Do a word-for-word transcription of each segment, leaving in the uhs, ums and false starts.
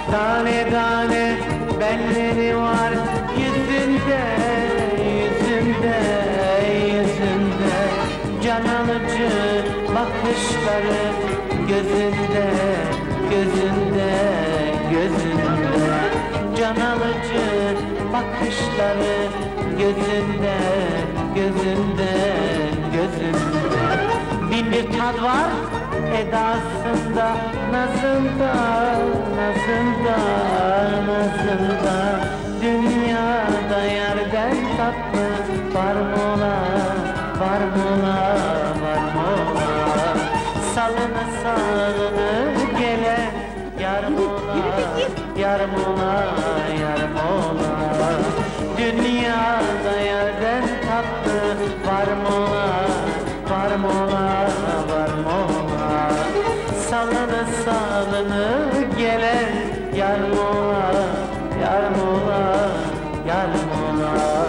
Tane tane belleri var yüzünde, yüzünde, yüzünde. Can alıcı bakışları gözünde, gözünde, gözünde. Can alıcı bakışları gözünde, gözünde, gözünde. Bin bir tat var edasında, nazında, nazında, nazında. Dünyada yerden tatlı var mı ola, var mı ola, var mı ola? Salını salını gele, yar mı ola, yar mı ola, yar mı ola? Dünyada yerden tatlı var mı ola, var mı ola, var mı ola? Salını salını gele, yar mı ola, yar mı ola, yar mı ola?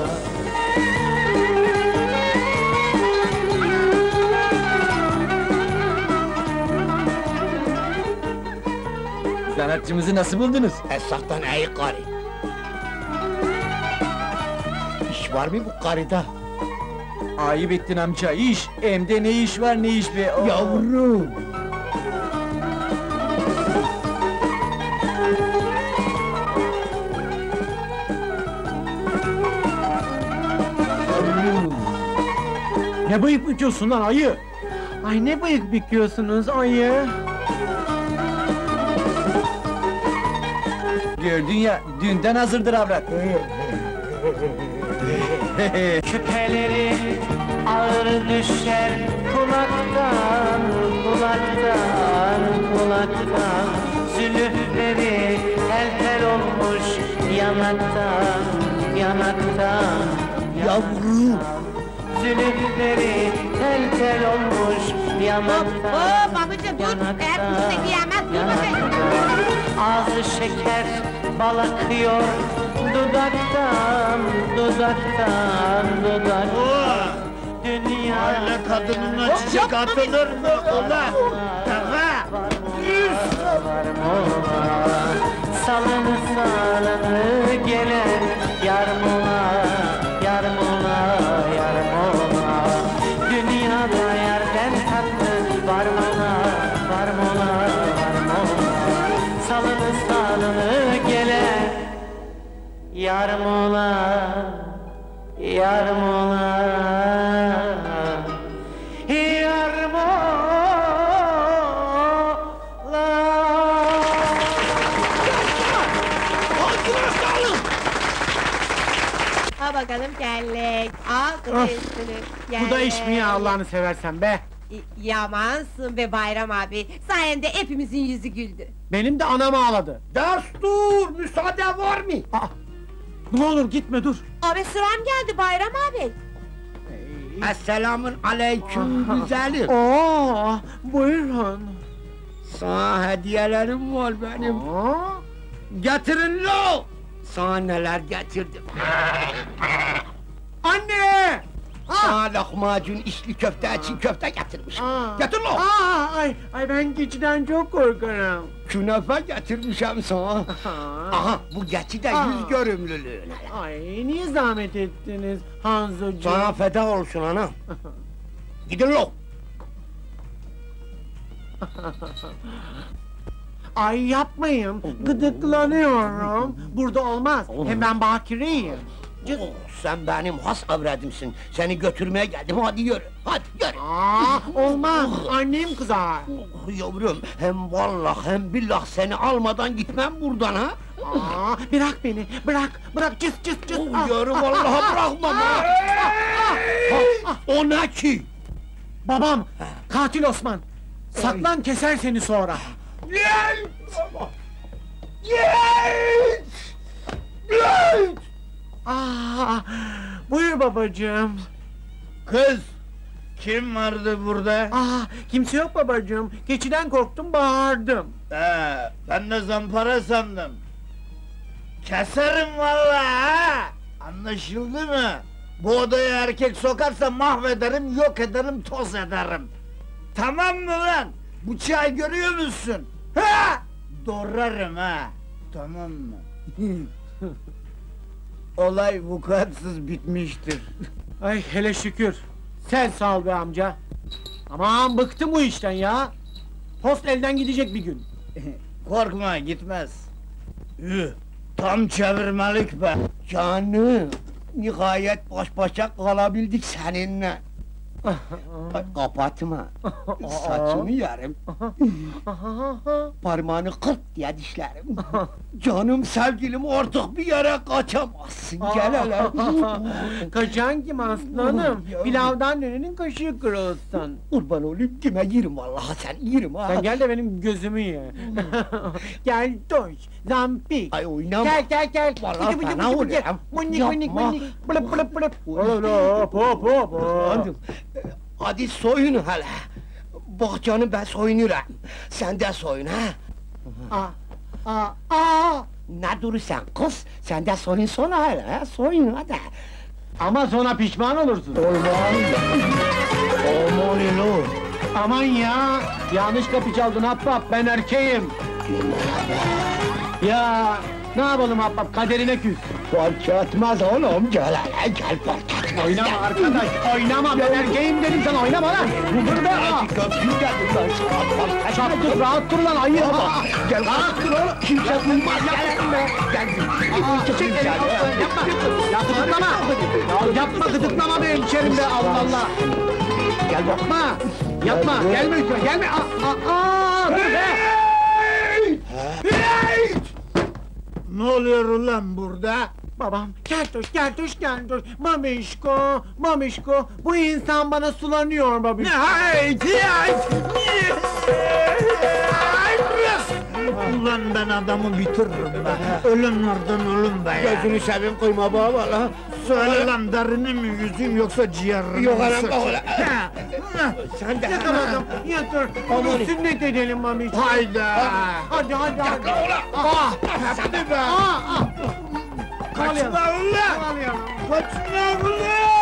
Sanatçımızı nasıl buldunuz? Esaktan iyi karı. İş var mı bu karıda? Ayıp ettin amca, iş! Hem de ne iş var ne iş be! Oo. Yavrum! Yavrum! Ne bıyık büküyorsun lan ayı? Ay ne bıyık büküyorsunuz ayı? Gördün ya, dünden hazırdır avrat! Küpeleri ağır düşer kulaktan, kulaktan, kulaktan. Zülüfleri tel tel olmuş yanaktan, yanaktan. Yavrum! Zülüfleri tel tel olmuş yanaktan. Oo babacığım dur, eğer üstüne giyemez, dur bakayım. Ağzı şeker bal akıyor dudaktan, dudaktan, dudaktan. Dünya Aile kadınına çiçek atılır mı ulan? Tava! var mı ola? Salını salını gelen yar mı ola, yar mı ola, yar mı ola? Dünyada yerden tatlı var mı ola, var mı ola, var mı ola? Salını salını gelen yar mı ola, yar mı ola? Yar mı ola? Al bakalım kellek, al kızı üstünü. Bu da iş mi ya Allah'ını seversen be? Y- Yamansın be Bayram abi, sayende hepimizin yüzü güldü. Benim de anam ağladı. Destur! Müsaade var mı? Aa, ne olur gitme dur. Abi sıram geldi Bayram abi. Esselamun aleyküm güzelim. Oo, buyurun. Sana hediyelerim var benim. Aa, Getirin lo! Sana neler getirdim. anne! Sana lahmacun, içli köfte, çiğ köfte getirmişim. Aa, Getir lo! Aa, ay, ay ben keçiden çok korkarım. Künefe getirmişim sana. Aa, Aha, bu geçi de Aa. yüz görümlülüğüne. ay niye zahmet ettiniz Hanzocuğum? Sana feda olsun ana. Gidin lo! Ay yapmayın, gıdıklanıyorum. Burada olmaz, hem ben bakireyim. Oh, sen benim has avradımsın. Seni götürmeye geldim, hadi yürü. Hadi yürü. Aa, olmaz, annem kızar. Oh, yavrum, hem vallah hem billah seni almadan gitmem buradan ha. Aa, bırak beni, bırak, bırak, cıs cıs cıs. Oh, yürü vallahi bırakmam ha. Ha, o ne ki? Babam, katil Osman. Saklan keser seni sonra. Gel! Gel! Gel! Aa, buyur babacığım. Kız! Kim vardı burada? Aa, kimse yok babacığım. Keçiden korktum, bağırdım. Ee, ben de zampara sandım. Keserim vallahi ha! Anlaşıldı mı? Bu odaya erkek sokarsa mahvederim, yok ederim, toz ederim. Tamam mı lan? Bu çay görüyor musun? Ha! Doğrarım ha! tamam mı? Olay vukuatsız bitmiştir. Ay hele şükür. Sen sağ ol be amca. Aman bıktım bu işten ya. Post elden gidecek bir gün. Korkma, gitmez. Üh, tam çevirmelik be. Canım, nihayet baş başa kalabildik seninle. Ay, kapatma. Saçımı yerim. Parmağını kırt diye dişlerim. Canım sevgilim artık bir yere kaçamazsın. Gel hele. Kaçan kim aslanım? Ya. Pilavdan dönenin kaşığı kırılsın. Kurban olayım kime yerim vallahi sen yerim ha. Sen gel de benim gözümü ye. Gel doş, zampik. Ay oynama. Gel gel gel. Vallahi Bıcı bıcı fena bıcı oluyor. bıcı. Mınik Yapma. mınik mınik. Bılıp bılıp bılıp. Hop hop hop hop. Canım, e, hadi soyun hele. Bak canım ben soyunurum. Sen de soyun ha. Aa, aa, aa. Ne durursan kız, sen de soyun sonra hele ha. Soyun hadi. Ama sonra pişman olursun. Olmaz. Aman ilo. Aman ya! Yanlış kapı çaldın Habbab, ben erkeğim! Ya, ne yapalım Habbab, kaderine küs! Fark etmez oğlum, gel hele gel fark etmez. Oynama arkadaş, oynama, ben erkeğim dedim sana, oynama lan! Burada! Hadi köprü geldim ben sana, fark etmez. Çaptık, rahat dur lan, ayı! Baba, gel rahat dur oğlum, kimse duymaz, gel be! Gel, Çek elini, yapma! Ya gıdıklama! Ya yapma, gıdıklama benim içerimde, Allah Allah! gel bak. Yapma! Yapma, gelme üstüme, gelme! Aa, aa, aa, dur be! Ne oluyor ulan burada? Babam, keltoş, keltoş, keltoş, mamişko, mamişko, bu insan bana sulanıyor babişko. Haydi, haydi! Ulan ben adamı bitiririm be! Ölümlerden ölüm be ya! Gözünü seveyim koyma baba valla. Söyle lan derini mi yüzeyim yoksa ciğerini mi Yok anam, sıkayım? oğlum. Ha, ha. Sen de Yatır adam, yatır, bunu sünnet edelim mamişko. Hayda! Hadi, hadi, hadi. Ah! Hadi be! Aa, aa. Kaçma ulan! Kovalayalım. Kaçma ulan!